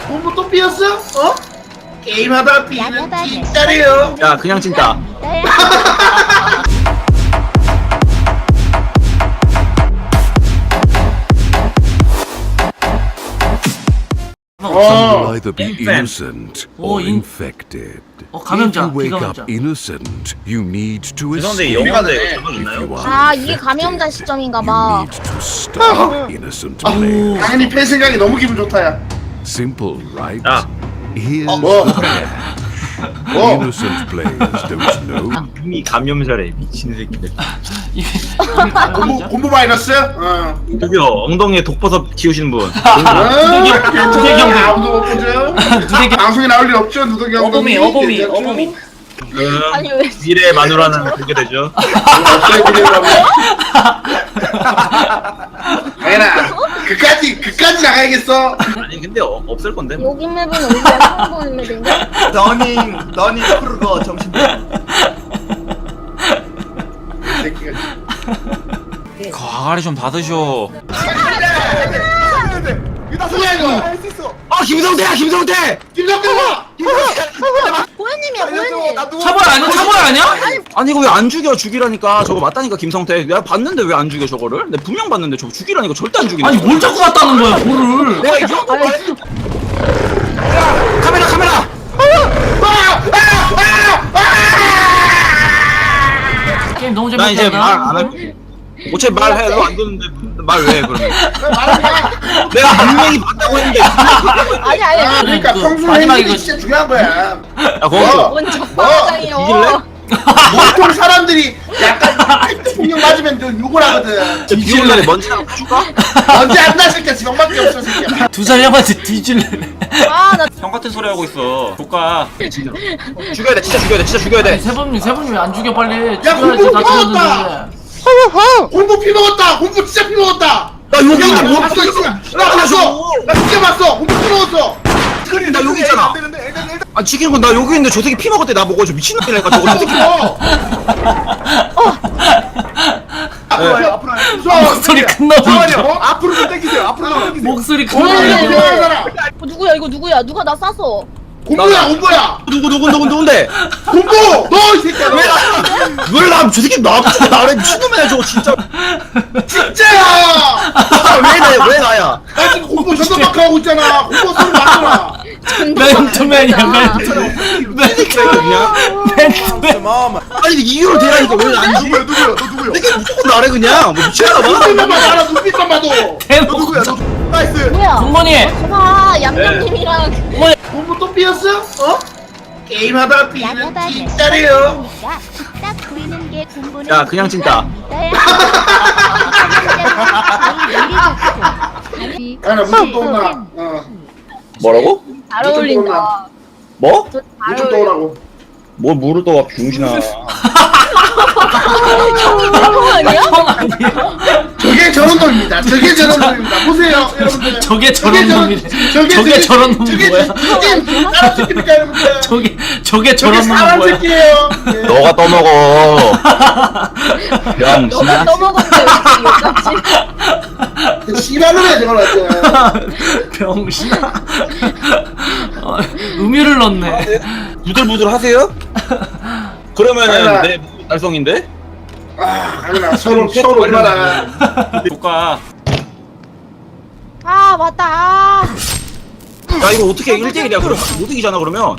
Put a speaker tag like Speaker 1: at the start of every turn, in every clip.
Speaker 1: 공부 또 삐었어? 어? 게임하다 삐는 진짜래요.
Speaker 2: 야 그냥 찐따.
Speaker 3: You'll either be innocent or
Speaker 4: 인-
Speaker 3: infected.
Speaker 4: 감염자,
Speaker 3: If you wake
Speaker 4: 비감염자.
Speaker 3: up innocent, you need to
Speaker 2: 죄송한데
Speaker 3: escape.
Speaker 2: 영화인데
Speaker 3: If
Speaker 2: 있나요?
Speaker 3: you are
Speaker 5: 아 이게
Speaker 3: infected,
Speaker 5: 감염자 시점인가
Speaker 3: you
Speaker 5: 봐.
Speaker 3: need to stop innocent players.
Speaker 1: 당연히 팬 생각이 너무 기분 좋다야.
Speaker 3: Simple, right?
Speaker 2: 야.
Speaker 3: Here's
Speaker 1: 뭐?
Speaker 3: the catch. Innocent players don't know.
Speaker 2: 이미 감염자래 미친 새끼들.
Speaker 1: 공부 마이너스? 어.
Speaker 2: 저기요 엉덩이에 독버섯 키우시는 분.
Speaker 4: 누더기 형.
Speaker 1: 아무도 못 보죠? 방송에 나올 일 없죠? 누더기 형.
Speaker 4: 어범이.
Speaker 5: 아니 왜?
Speaker 2: 미래의 마누라는 그렇게 되죠.
Speaker 1: 당연아. 그까지 나가야겠어.
Speaker 2: 아니 근데 없을 건데.
Speaker 5: 여기 맵은 어디야? 처음 보는 맵인데?
Speaker 2: 너니 프로거 정신.
Speaker 1: 새끼가.
Speaker 2: 과가리 좀 받으셔.
Speaker 1: 뭐야 이거?
Speaker 2: 아 김성태야 김성태.
Speaker 5: 보현님이야 보현님.
Speaker 4: 차벌 아니야?
Speaker 2: 아니 이거 왜 안 죽여? 죽이라니까. 저거 맞다니까 김성태. 내가 봤는데 왜 안 죽여 저거를? 내가 분명 봤는데 저거 죽이라니까 절대 안 죽이네.
Speaker 4: 아니 뭘 자꾸 갔다는 거야 볼을.
Speaker 2: 내가 이 정도 말했어. 카메라.
Speaker 4: 게임 너무
Speaker 2: 나 이제 말
Speaker 4: 재밌다.
Speaker 2: 안 할게. 어차피 말해. 너 안 듣는데 말 왜 그러면? 내가 분명히 봤다고 했는데.
Speaker 5: 아니.
Speaker 1: 그러니까 평소에
Speaker 4: 마지막
Speaker 1: 했는 게
Speaker 4: 이거
Speaker 1: 진짜 중요한 거야.
Speaker 2: 야 거기서.
Speaker 5: 뭔 적방장이요.
Speaker 1: 보통 사람들이 약간 폭력 맞으면 좀 욕을 하거든.
Speaker 2: 비올래 먼지 하나 줄까?
Speaker 1: 언제 안 나실 게 지명밖에 없어 새끼야.
Speaker 4: 2살 형한테 뒤질래.
Speaker 5: 아나
Speaker 2: 형 같은 소리 하고 있어. 조카. 죽여야 돼. 진짜 죽여야 돼.
Speaker 4: 세범님 왜 안 죽여 빨리.
Speaker 1: 야,
Speaker 4: 죽여야지 다
Speaker 1: 공부
Speaker 4: 죽였는데.
Speaker 1: 공부 피 먹었다. 공부 진짜 피 먹었다.
Speaker 2: 나 여기
Speaker 1: 야,
Speaker 2: 뭐
Speaker 1: 봤어 있어. 나 봤어. 나 진짜 봤어. 공부 피 먹었어.
Speaker 2: 스크린 나 여기 있잖아. 아 지키는 건 나 여기 있는데 저 새끼 피 먹었대. 나 먹어. 저 미친놈이라니까 저거 저 새끼.
Speaker 1: 앞으로
Speaker 4: 목소리 큰 놈이.
Speaker 1: 앞으로 좀 당기세요. 앞으로 좀 당기세요.
Speaker 4: 목소리 큰
Speaker 1: 공부야
Speaker 4: 놈이.
Speaker 1: 필요한 사람.
Speaker 5: 누구야 이거 누구야? 누가 나 쐈어?
Speaker 1: 공부야.
Speaker 2: 누군데?
Speaker 1: 공부. 너 이 새끼야. 너.
Speaker 2: 왜나저 새끼 나래 미친놈이야 저거 진짜.
Speaker 1: 진짜야.
Speaker 2: 왜 나야?
Speaker 1: 나 지금 공부 전담마크 하고 있잖아. 공부 소리 많잖아.
Speaker 4: 맨투맨이야
Speaker 2: 그냥.
Speaker 4: 맨투맨.
Speaker 2: 아니 이유를 대라니까 왜 안 죽어?
Speaker 1: 누구야? 너 누구야?
Speaker 2: 이게 무조건 나래 그냥. 뭐 미친가 봐.
Speaker 1: 눈빛만 봐도 알아. 눈빛만 봐도.
Speaker 4: 대놓고
Speaker 1: 나이스.
Speaker 5: 뭐야?
Speaker 4: 동건이.
Speaker 5: 봐 얌얌님이랑
Speaker 1: 공부 또 삐었어? 어? 게임하다 삐는 진짜래요.
Speaker 6: 딱 보이는 게 공부는
Speaker 2: 야 그냥 찐따.
Speaker 1: 아나 무슨 또 오나.
Speaker 2: 뭐라고?
Speaker 5: 잘 어울린다.
Speaker 2: 뭐?
Speaker 5: 잘
Speaker 1: 무슨 또
Speaker 5: 어울려.
Speaker 1: 오라고.
Speaker 2: 뭘 물을 떠와 병신아.
Speaker 5: 형 아니야?
Speaker 4: 형 아니야?
Speaker 1: 저게 저런 놈입니다. 저게 저런 놈입니다. 보세요, 여러분들.
Speaker 4: 저게 저런 놈이래. 저게 저런 놈이 뭐야?
Speaker 1: 저게 사람 새끼입니까, 여러분들?
Speaker 4: 저게 저런 놈이
Speaker 1: 사람
Speaker 4: 뭐야?
Speaker 1: 새끼예요. 예.
Speaker 2: 너가 떠먹어.
Speaker 5: 너가
Speaker 2: 병신아.
Speaker 5: 넘어갔대 왜
Speaker 1: 씨발놈이야 저걸 왔잖아.
Speaker 4: 병신아. 의미를 넣네.
Speaker 2: 부들부들 하세요? 그러면은
Speaker 1: 당연하.
Speaker 2: 내 달성인데?
Speaker 1: 아, 당연하. 서로 얼마나.
Speaker 2: 조카.
Speaker 5: 아 맞다. 아.
Speaker 2: 야 이거 어떻게 1대1이야 그러면? 못 이기잖아 그러면.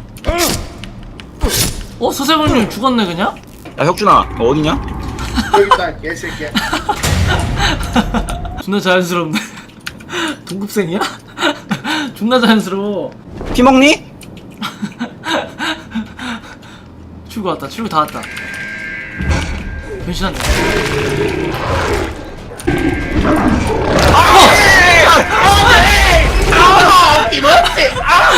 Speaker 4: 서세범님 죽었네 그냥?
Speaker 2: 야 혁준아 너 어디냐?
Speaker 1: 여기 있다, 개새끼야.
Speaker 4: 존나 자연스럽네. 동급생이야? 존나 자연스러워.
Speaker 2: 피 먹니?
Speaker 4: 출구 왔다. 출구 다 왔다. 변신한다.
Speaker 1: 이모티!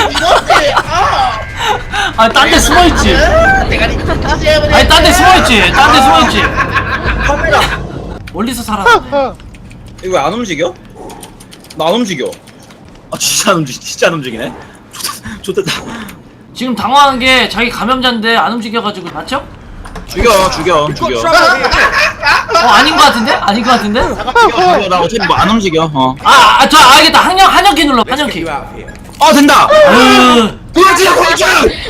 Speaker 4: 아니 딴 데 숨어있지. 아니 딴 데 숨어있지.
Speaker 2: 카메라.
Speaker 4: 멀리서 살아.
Speaker 2: 이거 왜 안 움직여? 나 안 움직여. 아 진짜 안 움직이네. 좋다.
Speaker 4: 지금 당황한 게 자기 감염자인데 안 움직여가지고 맞죠?
Speaker 2: 죽여.
Speaker 4: 아닌 것 같은데? 아닌 것 같은데?
Speaker 2: 나 어차피 뭐 안 움직여.
Speaker 4: 저 알겠다. 한영키 눌러. 한영키.
Speaker 2: 된다.
Speaker 4: 아유.
Speaker 2: 그렇지 공주.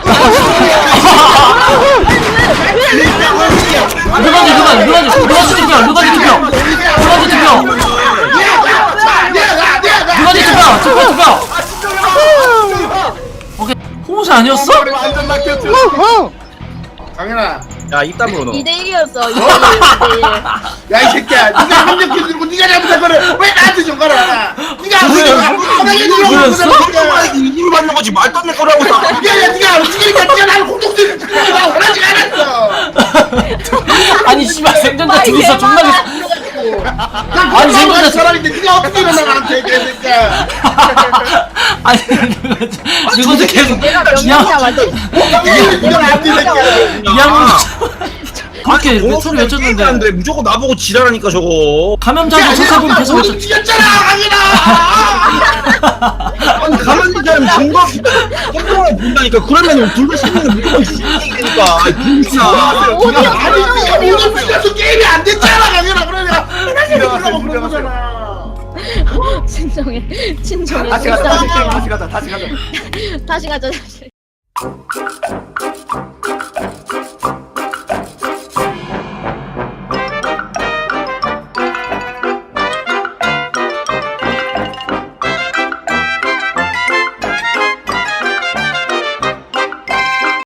Speaker 4: 누가지 투표. 오케이. 홍시 아니었어?
Speaker 1: 완전 막혔죠. 강현아.
Speaker 2: 야 입담으로 넣어.
Speaker 5: 2대1이었어. 2대1.
Speaker 1: 야 이 새끼야, 네가 한명 들고 네가 잘못한 거를 왜 나한테 준 거라? 네가
Speaker 4: 뭐였어?
Speaker 2: 힘을 받는 거지 말도 안 되는 거라고.
Speaker 1: 야, 네가 움직이니까 네가 나를 공동체를 내가 원하지 않았어.
Speaker 4: 아니 씨발 생존자 둘이서 존나
Speaker 1: 아니 생각나 사람인데 네가 어떻게 일어나 나한테 개새끼야.
Speaker 4: 아니 누구도 계속
Speaker 5: 내가 명령이야 완전.
Speaker 1: 네가 나한테 새끼야.
Speaker 4: 이양무 그렇게 소리 외쳤는데
Speaker 2: 데 무조건 나보고 지랄하니까 저거.
Speaker 4: 감염자도 석하분 계속 외쳤.
Speaker 1: 움직였잖아, 강현아.
Speaker 2: 아니 가만히 있는 사람 증거 행동을 본다니까. 그러면 둘다 시키는 무조건 시키니까. 불쌍.
Speaker 1: 네가 오늘 움직여서 게임이 안 됐잖아, 강현아. 그래 내가 하나씩 그런 거잖아.
Speaker 5: 진정해.
Speaker 1: 다시 가자.
Speaker 5: 다시 가자.